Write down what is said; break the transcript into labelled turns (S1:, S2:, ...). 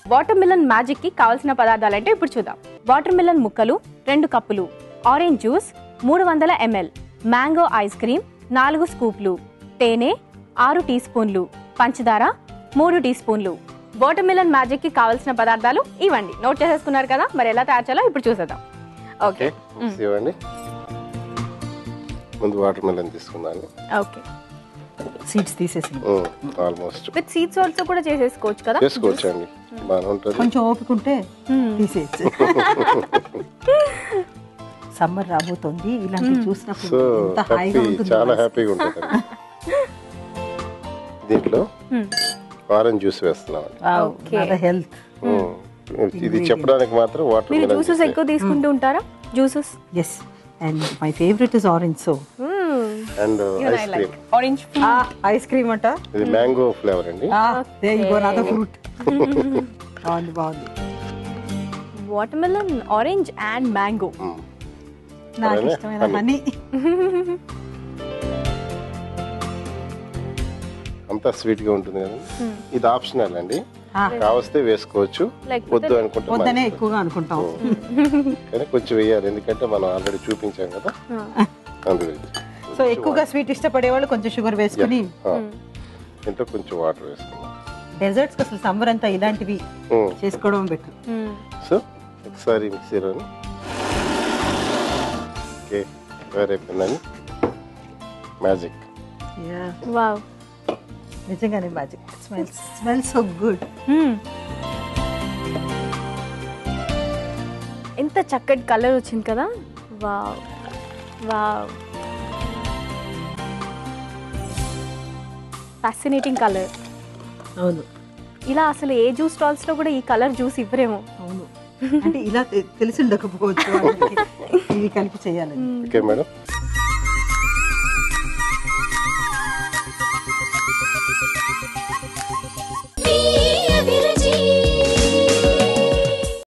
S1: Water melon magic కి కావాల్సిన పదార్థాలు అంటే ఇప్పుడు చూద్దాం. వాటర్ మిలన్ ముక్కలు 2 కప్పులు, orange juice 300 ml, mango ice cream 4 స్కూప్లు, తేనె 6 టీ స్పూన్లు, పంచదార 3 టీ స్పూన్లు. వాటర్ మిలన్ మ్యాజిక్ కి కావాల్సిన పదార్థాలు ఇవ్వండి. నోట్ చేసేసుకున్నారు కదా, మరి ఎలా తయారు చేయాలో ఇప్పుడు చూసేద్దాం. ఓకే,
S2: ఇవ్వండి. ముందు వాటర్ మిలన్ తీసుకున్నాను.
S1: ఓకే,
S3: సీడ్స్ తీసేసి
S2: ఆల్మోస్ట్
S1: విత్ సీడ్స్ ఆల్సో కూడా చేసేసుకోవచ్చు కదా.
S2: చేసుకోవచ్చు అండి, బాగా ఉంటుంది.
S3: కొంచెం ఓపిక ఉంటే తీసేయచ్చు. సమ్మర్ రాబోతోంది, ఇలాంటివి చూసినప్పుడు
S2: సో
S3: ఎంత హాయిగా ఉంటుంది.
S2: చాలా హ్యాపీగా ఉంటుంది. దీంట్లో ఆరెంజ్ జ్యూస్ వేస్తున్నాం.
S3: హెల్త్
S2: ఇది చెప్పడానికి మాత్రం వాటర్
S1: మీరు
S2: మిలన్
S1: జ్యూసెస్ ఎక్కువ తీసుకుంటూ ఉంటారా? Juices
S3: yes, and my favourite is orange. So
S2: and ice cream.
S1: Orange
S3: ice cream అంట,
S2: ఇది మ్యాంగో ఫ్లేవర్ అండి.
S3: ఫ్రూట్. బాగుంది బాగుంది.
S1: Watermelon, orange and mango.
S3: నాకు ఇష్టమైన హనీ.
S2: అంతా స్వీట్ గా ఉంటుంది కదా. ఇది ఆప్షనల్ అండి, కావస్తే వేసుకోవచ్చు, వద్దు అనుకుంటే
S3: వద్దనే ఎక్కువగా అనుకుంటాం.
S2: కానీ కొంచెం వేయాలి, ఎందుకంటే మనం ఆల్రెడీ చూపించాం కదా. అందుకని
S3: సో ఎక్కువగా స్వీట్ ఇష్టపడే వాళ్ళు కొంచెం షుగర్ వేసుకుని,
S2: ఇంట్లో కొంచెం వాటర్ వేసుకున్నాం.
S3: డెజర్ట్స్ అసలు సమ్మర్ అంతా ఇలాంటివి చేసుకోవడం బెటర్.
S2: సో ఒకసారి మిక్సీలోని ఓకే తయారైపోయిందని. మ్యాజిక్.
S1: వావ్,
S3: నిజంగానే మ్యాజిక్. Smells so good.
S1: ఎంత చక్కటి కలర్ వచ్చింది కదా. Wow wow, fascinating colour.
S3: అవును,
S1: ఇలా అసలు ఏ జ్యూస్ స్టాల్స్ లో కూడా ఈ కలర్ జ్యూస్ ఇవ్వరేమో.
S3: అవును, అంటే ఇలా తెలిసి ఉండకపోవచ్చు, ఇవి కలిపి చేయాలని.
S2: Okay madam.